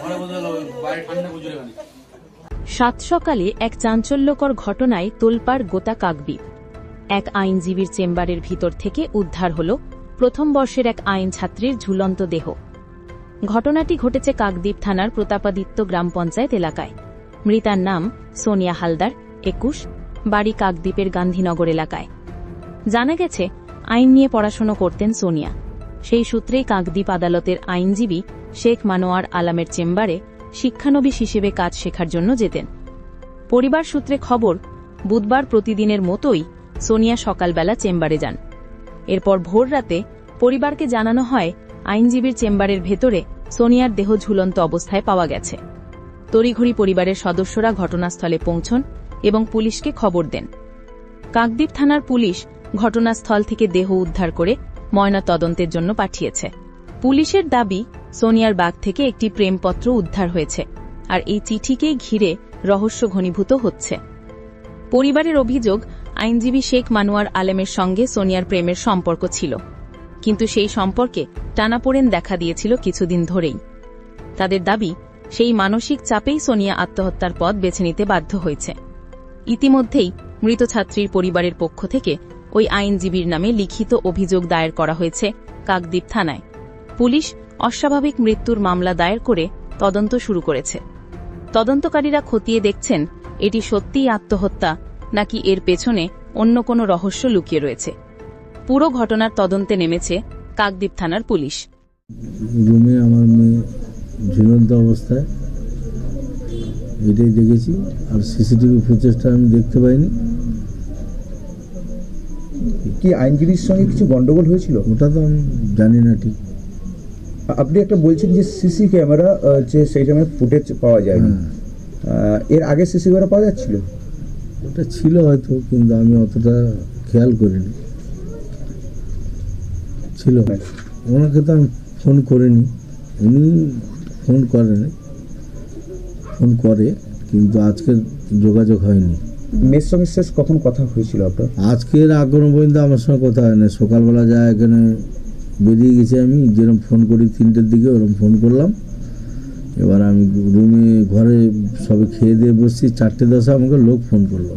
সাত সকালে এক চাঞ্চল্যকর ঘটনায় তোলপাড় গোটা কাকদ্বীপ। এক আইনজীবীর চেম্বারের ভিতর থেকে উদ্ধার হল প্রথম বর্ষের এক আইন ছাত্রীর ঝুলন্ত দেহ। ঘটনাটি ঘটেছে কাকদ্বীপ থানার প্রতাপাদিত্য গ্রাম পঞ্চায়েত এলাকায়। মৃতার নাম সোনিয়া হালদার, 21, বাড়ি কাকদ্বীপের গান্ধীনগর এলাকায়। জানা গেছে, আইন নিয়ে পড়াশোনা করতেন সোনিয়া। সেই সূত্রেই কাকদ্বীপ আদালতের আইনজীবী শেখ মানোয়ার আলামের চেম্বারে শিক্ষানবিশ হিসেবে কাজ শেখার জন্য যেতেন। পরিবার সূত্রে খবর, বুধবার প্রতিদিনের মতোই সোনিয়া সকালবেলা চেম্বারে যান। এরপর ভোর রাতে পরিবারকে জানানো হয় আইনজীবীর চেম্বারের ভেতরে সোনিয়ার দেহ ঝুলন্ত অবস্থায় পাওয়া গেছে। তড়িঘড়ি পরিবারের সদস্যরা ঘটনাস্থলে পৌঁছন এবং পুলিশকে খবর দেন। কাকদ্বীপ থানার পুলিশ ঘটনাস্থল থেকে দেহ উদ্ধার করে ময়নাতদন্তের জন্য পাঠিয়েছে। পুলিশের দাবি, সোনিয়ার ব্যাগ থেকে একটি প্রেমপত্র উদ্ধার হয়েছে, আর এই চিঠিকেই ঘিরে রহস্য ঘনীভূত হচ্ছে। পরিবারের অভিযোগ, আইনজীবী শেখ মানোয়ার আলমের সঙ্গে সোনিয়ার প্রেমের সম্পর্ক ছিল, কিন্তু সেই সম্পর্কে টানাপোড়েন দেখা দিয়েছিল কিছুদিন ধরেই। তাদের দাবি, সেই মানসিক চাপেই সোনিয়া আত্মহত্যার পথ বেছে নিতে বাধ্য হয়েছে। ইতিমধ্যেই মৃত ছাত্রীর পরিবারের পক্ষ থেকে ওই আইনজীবীর নামে লিখিত অভিযোগ দায়ের করা হয়েছে কাকদ্বীপ থানায়। পুলিশ অস্বাভাবিক মৃত্যুর মামলা দায়ের করে তদন্ত শুরু করেছে। তদন্তকারীরা খতিয়ে দেখছেন এটি সত্যিই আত্মহত্যা নাকি এর পেছনে অন্য কোনো রহস্য লুকিয়ে রয়েছে। পুরো ঘটনার তদন্তে নেমেছে কাকদ্বীপ থানার পুলিশ। রুমে আমার মেয়ে ঝুলন্ত অবস্থায়, এটাই দেখেছি, আর সিসিটিভি ফুটেজটা আমি দেখতে পাইনি। কি আইনজীবীর সঙ্গে কিছু গন্ডগোল হয়েছিল? ওটা তো আমি জানি না ঠিক। আপনি একটা বলছেন যে সিসি ক্যামেরা যে সেই সময় ফুটেজ পাওয়া যায়নি, এর আগে সিসি ক্যামেরা পাওয়া যাচ্ছিল? ওটা ছিল হয়তো, কিন্তু আমি অতটা খেয়াল করিনি। ছিল, ওনাকে তো আমি ফোন করিনি, উনি ফোন করেনি, ফোন করে, কিন্তু আজকের যোগাযোগ হয়নি। মেয়ের সঙ্গে শেষ কখন কথা হয়েছিল আপনার? আজকের এখনো পর্যন্ত আমার সঙ্গে কথা হয় না। সকালবেলা যা এখানে বেরিয়ে গেছি, আমি যেরকম ফোন করি 3টের দিকে, ওরকম ফোন করলাম। এবার আমি রুমে ঘরে সবে খেয়ে দিয়ে বসছি, 4:10 আমাকে লোক ফোন করলো,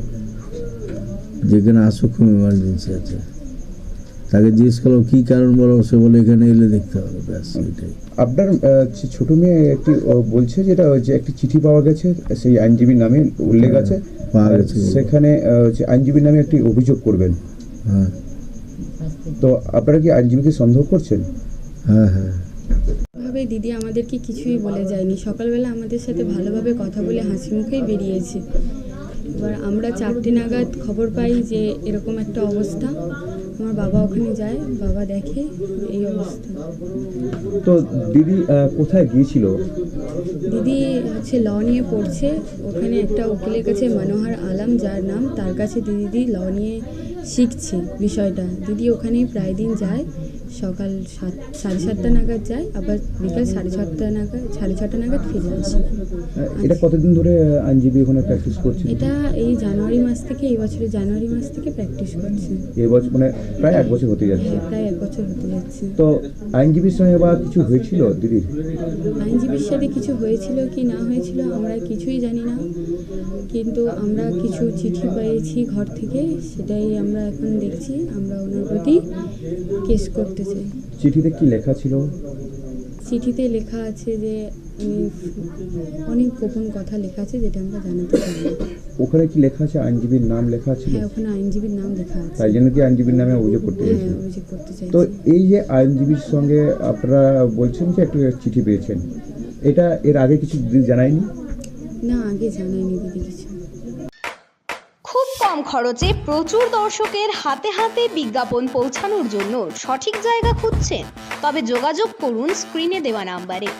যেখানে আসো, খুব এমার্জেন্সি আছে। তাকে জিজ্ঞেস করলো কী কারণ বলো, সে বলে এখানে এলে দেখতে হবে, ব্যাস এটাই। আপনার ছোট মেয়ে একটি বলছে যেটা যে একটি চিঠি পাওয়া গেছে, সেই আইনজীবীর নামে উল্লেখ আছে, পাওয়া গেছে, সেখানে আইনজীবীর নামে একটি অভিযোগ করবেন। হ্যাঁ, তো আপনারা কি আইনজীবীকে সন্দেহ করছেন? হ্যাঁ হ্যাঁ। ভাবে দিদি আমাদেরকে কিছুই বলে যায়নি। সকালবেলা আমাদের সাথে ভালোভাবে কথা বলে হাসি মুখেই বেরিয়েছে। এবার আমরা 4টে নাগাদ খবর পাই যে এরকম একটা অবস্থা। আমার বাবা ওখানে যায়, বাবা দেখে এই অবস্থা। তো দিদি কোথায় গিয়েছিল? দিদি হচ্ছে ল নিয়ে পড়ছে, ওখানে একটা উকিলের কাছে, মনোহর আলম যার নাম, তার কাছে দিদি ল নিয়ে শিখছে বিষয়টা। দিদি ওখানেই প্রায় দিন যায়, সকাল 7:30 নাগাদ যায়, আবার বিকাল 6:30 নাগাদ ফিরে আসে। এটা কতদিন ধরে আইনজীবী ওখানে প্র্যাকটিস করছে? এটা এই জানুয়ারি মাস থেকে, এই বছরের জানুয়ারি মাস থেকে প্র্যাকটিস করছে। এই বছর মানে প্রায় 1 বছর হতে যাচ্ছে। হ্যাঁ, প্রায় 1 বছর হতে যাচ্ছে। তো আইনজীবীর সঙ্গে বা কিছু হয়েছিল দিদির? আইনজীবীর সাথে কিছু হয়েছিল কি না হয়েছিল আমরা কিছুই জানি না, কিন্তু আমরা কিছু চিঠি পেয়েছি ঘর থেকে, সেটাই আমরা এখন দেখছি। আমরা ওনার প্রতি কেস করতে চাই। চিঠিতে কি লেখা ছিল? চিঠিতে লেখা আছে যে অনেক গোপন কথা লেখা আছে, যেটা আমরা জানাতে চাই। ওখানে কি লেখা আছে? আইনজীবীর নাম লেখা আছে? হ্যাঁ, ওখানে আইনজীবীর নাম লেখা আছে। তাই জন্য কি আইনজীবীর নামে অভিযোগ করতে হ্যাঁ, চাইছেন? অভিযোগ করতে চাই। তো এই যে আইনজীবীর সঙ্গে আপনারা বলছেন যে একটা চিঠি পেয়েছেন, এটা এর আগে কিছু দিদি জানায়নি? না, আগে জানায়নি দিদি কিছু। খুব কম খরচে প্রচুর দর্শকের হাতে হাতে বিজ্ঞাপন পৌঁছানোর জন্য সঠিক জায়গা খুঁজছেন? তবে যোগাযোগ করুন স্ক্রিনে দেওয়া নাম্বারে।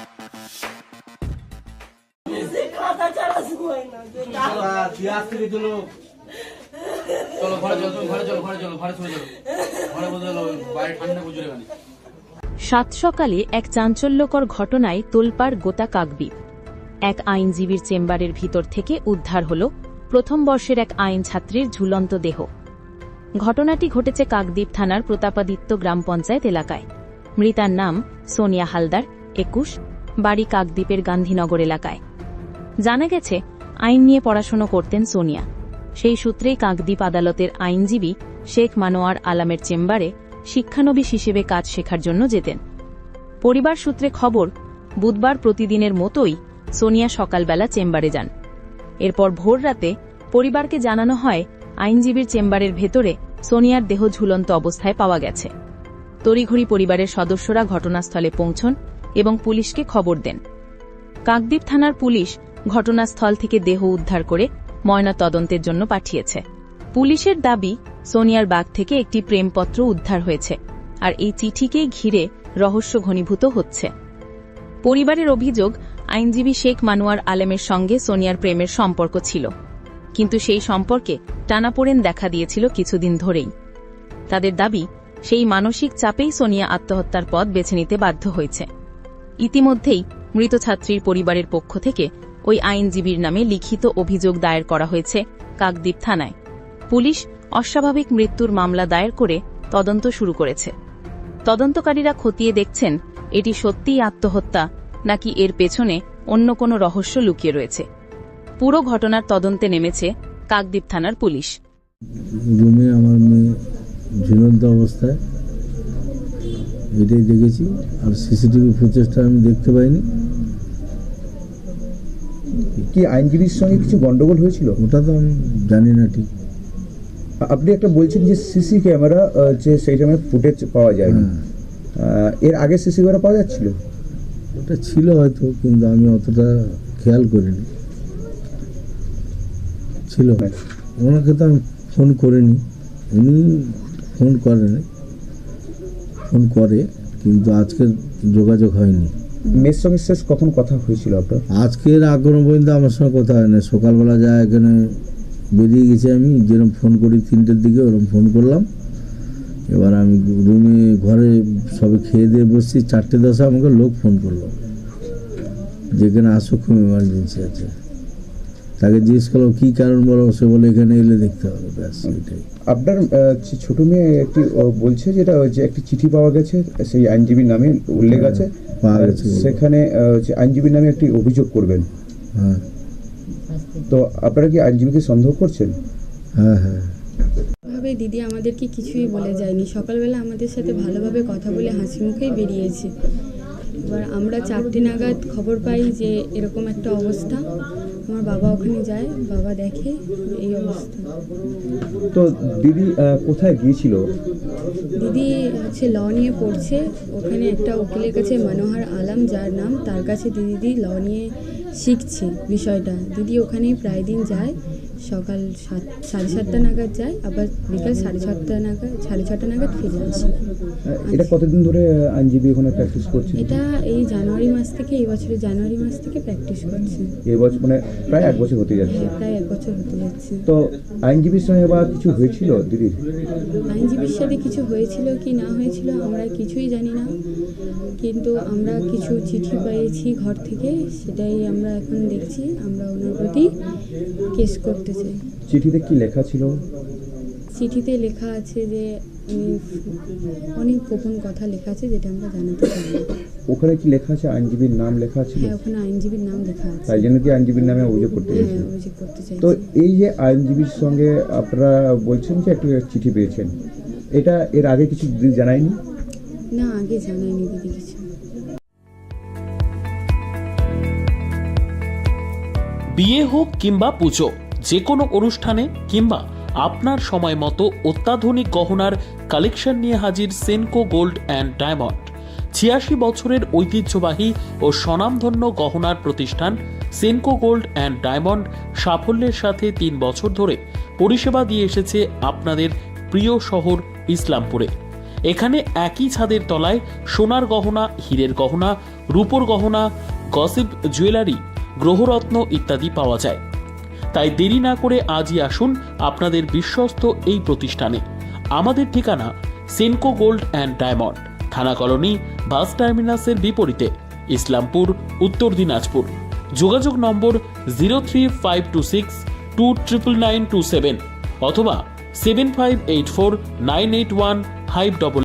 সাত সকালে এক চাঞ্চল্যকর ঘটনায় তোলপাড় গোটা কাকদ্বীপ। এক আইনজীবীর চেম্বারের ভিতর থেকে উদ্ধার হল প্রথম বর্ষের এক আইন ছাত্রীর ঝুলন্ত দেহ। ঘটনাটি ঘটেছে কাকদ্বীপ থানার প্রতাপাদিত্য গ্রাম পঞ্চায়েত এলাকায়। মৃতার নাম সোনিয়া হালদার, 21, বাড়ি কাকদ্বীপের গান্ধীনগর এলাকায়। জানা গেছে আইন নিয়ে পড়াশোনা করতেন সোনিয়া। সেই সূত্রেই কাকদ্বীপ আদালতের আইনজীবী শেখ মানোয়ার আলামের চেম্বারে শিক্ষানবিশ হিসেবে কাজ শেখার জন্য যেতেন। পরিবার সূত্রে খবর, বুধবার প্রতিদিনের মতোই সোনিয়া সকালবেলা চেম্বারে যান। এরপর ভোর রাতে পরিবারকে জানানো হয় আইনজীবীর চেম্বারের ভেতরে সোনিয়ার দেহ ঝুলন্ত অবস্থায় পাওয়া গেছে। তড়িঘড়ি পরিবারের সদস্যরা ঘটনাস্থলে পৌঁছন এবং পুলিশকে খবর দেন। কাকদ্বীপ থানার পুলিশ ঘটনাস্থল থেকে দেহ উদ্ধার করে ময়নাতদন্তের জন্য পাঠিয়েছে। পুলিশের দাবি, সোনিয়ার ব্যাগ থেকে একটি প্রেমপত্র উদ্ধার হয়েছে, আর এই চিঠিকেই ঘিরে রহস্য ঘনীভূত হচ্ছে। পরিবারের অভিযোগ, আইনজীবী শেখ মানোয়ার আলমের সঙ্গে সোনিয়ার প্রেমের সম্পর্ক ছিল, কিন্তু সেই সম্পর্কে টানাপোড়েন দেখা দিয়েছিল কিছুদিন ধরেই। তাদের দাবি, সেই মানসিক চাপেই সোনিয়া আত্মহত্যার পথ বেছে নিতে বাধ্য হয়েছে। ইতিমধ্যেই মৃত ছাত্রীর পরিবারের পক্ষ থেকে ওই আইনজীবীর নামে লিখিত অভিযোগ দায়ের করা হয়েছে কাকদ্বীপ থানায়। পুলিশ অস্বাভাবিক মৃত্যুর মামলা দায়ের করে তদন্ত শুরু করেছে। তদন্তকারীরা খতিয়ে দেখছেন এটি সত্যিই আত্মহত্যা নাকি এর পেছনে অন্য কোনো রহস্য লুকিয়ে রয়েছে। পুরো ঘটনার তদন্তে নেমেছে কাকদ্বীপ থানার পুলিশ। রুমে আমার মেয়ে ঝুলন্ত অবস্থায়, এটাই দেখেছি। আর সিসিটিভি ফুটেজটা আমি দেখতে পাইনি। কি আইনজীবীর সঙ্গে কিছু গন্ডগোল হয়েছিল? ওটা তো আমি জানি না ঠিক। আপনি একটা বলছেন যে সিসি ক্যামেরা যে সেই সময় ফুটেজ পাওয়া যায়নি, এর আগে সিসি ক্যামেরা পাওয়া যাচ্ছিল? ওটা ছিল হয়তো, কিন্তু আমি অতটা খেয়াল করিনি। ছিল, ওনাকে তো আমি ফোন করিনি, উনি ফোন করেনি, ফোন করে, কিন্তু আজকের যোগাযোগ হয়নি। মেয়ের সঙ্গে শেষ কখন কথা হয়েছিল আপনার? আজকের এখনো পর্যন্ত আমার সঙ্গে কথা হয় না। সকালবেলা যা এখানে বেরিয়ে গেছি আমি, যেরকম ফোন করি 3টের দিকে, ওরকম ফোন করলাম। এবার আমি রুমে ঘরে সবে খেয়ে দিয়ে বসছি, 4:10 আমাকে লোক ফোন করলো, যেখানে আসো, খুব এমার্জেন্সি আছে। তাকে জিজ্ঞেস করলো কী কারণ, বলো। সে বলে এখানে এলে দেখতে হবে, ব্যাস এটাই। আপনার ছোট মেয়ে একটি বলছে যেটা যে একটি চিঠি পাওয়া গেছে, সেই আইনজীবীর নামে উল্লেখ আছে, পাওয়া গেছে, সেখানে আইনজীবীর নামে একটি অভিযোগ করবেন। হ্যাঁ। তো আপনারা কি আইনজীবীকে সন্দেহ করছেন? হ্যাঁ হ্যাঁ। ভাবে দিদি আমাদেরকে কিছুই বলে যায়নি। সকালবেলা আমাদের সাথে ভালোভাবে কথা বলে হাসি মুখেই বেরিয়েছে। এবার আমরা 4টে নাগাদ খবর পাই যে এরকম একটা অবস্থা। আমার বাবা ওখানে যায়, বাবা দেখে এই অবস্থা। তো দিদি কোথায় গিয়েছিল? দিদি ল নিয়ে পড়ছে, ওখানে একটা উকিলের কাছে, মনোহর আলম যার নাম, তার কাছে দিদি ল নিয়ে শিখছে বিষয়টা। দিদি ওখানেই প্রায় দিন যায়, সকাল 7:30 নাগাদ যায়, আবার বিকাল 6:30 নাগাদ ফিরে আসে। এটা কতদিন ধরে আইনজীবী ওখানে প্র্যাকটিস করছে? এটা এই জানুয়ারি মাস থেকে, এই বছরের জানুয়ারি মাস থেকে প্র্যাকটিস করছে। এই বছর মানে প্রায় 1 বছর হতে যাচ্ছে। হ্যাঁ, প্রায় 1 বছর হতে যাচ্ছে। তো আইনজীবীর সঙ্গে বা কিছু হয়েছিল দিদির? আইনজীবীর সাথে কিছু হয়েছিল কি না হয়েছিল আমরা কিছুই জানি না, কিন্তু আমরা কিছু চিঠি পেয়েছি ঘর থেকে, সেটাই আমরা এখন দেখছি। আমরা ওনার প্রতি কেস করতে চাই। চিঠিতে কি লেখা ছিল? চিঠিতে লেখা আছে যে অনেক গোপন কথা লেখা আছে, যেটা আমরা জানাতে চাই না। ওখানে কি লেখা আছে? আইনজীবীর নাম লেখা আছে? হ্যাঁ, ওখানে আইনজীবীর নাম লেখা আছে। তাই জন্য কি আইনজীবীর নামে অভিযোগ করতে হ্যাঁ, চাইছেন? অভিযোগ করতে চাই। তো এই যে আইনজীবীর সঙ্গে আপনারা বলছেন যে একটা চিঠি পেয়েছেন, এটা এর আগে কিছু দিদি জানায়নি? না, আগে জানায়নি দিদি কিছু। বিয়ে হোক কিংবা পুজো, যে কোনো অনুষ্ঠানে কিংবা আপনার সময় মতো অত্যাধুনিক গহনার কালেকশন নিয়ে হাজির সেনকো গোল্ড অ্যান্ড ডায়মন্ড। 86 বছরের ঐতিহ্যবাহী ও স্বনামধন্য গহনার প্রতিষ্ঠান সেনকো গোল্ড অ্যান্ড ডায়মন্ড সাফল্যের সাথে 3 বছর ধরে পরিষেবা দিয়ে এসেছে আপনাদের প্রিয় শহর ইসলামপুরে। এখানে একই ছাদের তলায় সোনার গহনা, হীরের গহনা, রূপোর গহনা, গসিপ জুয়েলারি, গ্রহরত্ন ইত্যাদি পাওয়া যায়। তাই দেরি না করে আজই আসুন আপনাদের বিশ্বস্ত এই প্রতিষ্ঠানে। আমাদের ঠিকানা সেনকো গোল্ড অ্যান্ড ডায়মন্ড, থানা কলোনি, বাস টার্মিনাসের বিপরীতে, ইসলামপুর, উত্তর দিনাজপুর। যোগাযোগ নম্বর 03526299927 অথবা 7584981588